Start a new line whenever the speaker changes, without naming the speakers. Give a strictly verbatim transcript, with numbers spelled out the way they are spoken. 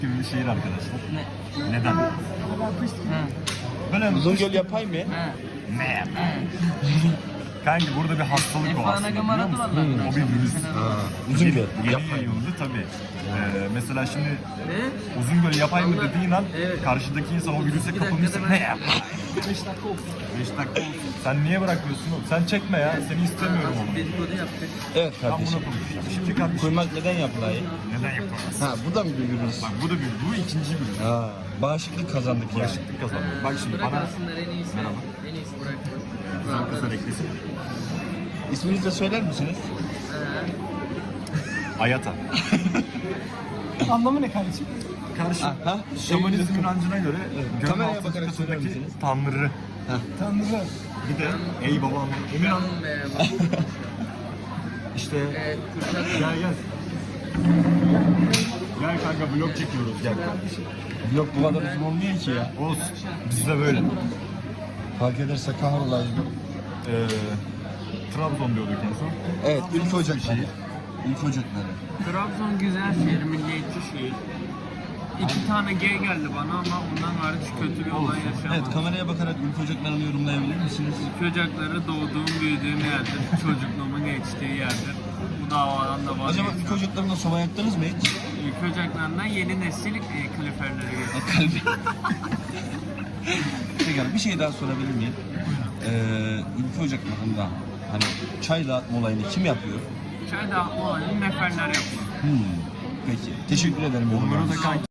gibi bir şehir arkadaşlar.
Ne?
Neden?
Ha.
Böyle
Uzungöl yapay mı?
Ha.
ne?
Ha.
Kanki burada bir hastalık o aslında, biliyor musun?
Hmm.
O bir virüs.
Uzungöl.
Yeni
Yapay.
yayıldı tabii. Ee, mesela şimdi
Ne?
Uzungöl yapay mı
Allah-
dediğin an
Evet.
karşıdaki insan o virüse
Bir dakika
kapılmışsa
da ben-
ne yapar? beş dakika olsun. beş dakika olsun. Sen niye bırakmıyorsun oğlum? Sen çekme ya. Seni istemiyorum oğlum.
Dedikodu yaptık.
Evet
Ben
kardeşim.
buna konuşacağım. Şimdi kardeşim
Kuymak neden yapılayı?
neden yapamaz?
Ha bu da mı bir virüs?
Bak bu da bir, bu ikinci virüs.
Ha, bağışıklık kazandık yani.
Bağışıklık kazandık. Bak şimdi
Bırak
bana
alsınlar en iyisi.
Merhaba.
En iyisi bırak.
güzel kızlar eklesin.
İsminizi de söyler misiniz?
Ha.
Ayata.
Anlamı ne kardeşim?
Karşı
Aha.
şamanizm inancına göre gönül
Kameraya
altı
bakarak söyler
katındaki
misiniz?
tanrı.
Tanrı.
Bir de ey babam Emirhan
Canım be.
işte
Ee, Kürşat.
gel gel. Gel kanka vlog çekiyoruz gel.
Yok bu kadar uzun olmuyor ki ya.
Olsun. Bizde böyle.
Fark ederse kahrolayım.
Ee, Trabzon diyorduk en son.
Evet, ülke
Nasıl bir
ocakları.
şehir?
Ülke ocakları.
Trabzon güzel şehir, milliyetçi şehir. İki tane gay geldi bana ama ondan hariç kötü bir olay yaşamadım.
Evet, kameraya bakarak ülke ocaklarını yorumlayabilir misiniz?
Çocukları doğduğum, büyüdüğüm yerdir. Çocukluğumun geçtiği yerdir. Bu davadan da
Acaba
vazgeçiyorum.
ülke ocaklarında soba yaktınız mı hiç?
Ülke ocaklarından yeni nesil e, kaloriferleri geliyor.
Kalbi. Peki bir şey daha sorabilir miyim? Ee, ülke ocaklarında hani çay dağıtma olayını kim yapıyor?
Çay dağıtma olayını neferler yapıyor.
Hmm. Peki. Teşekkür ederim.
Onlara da kanki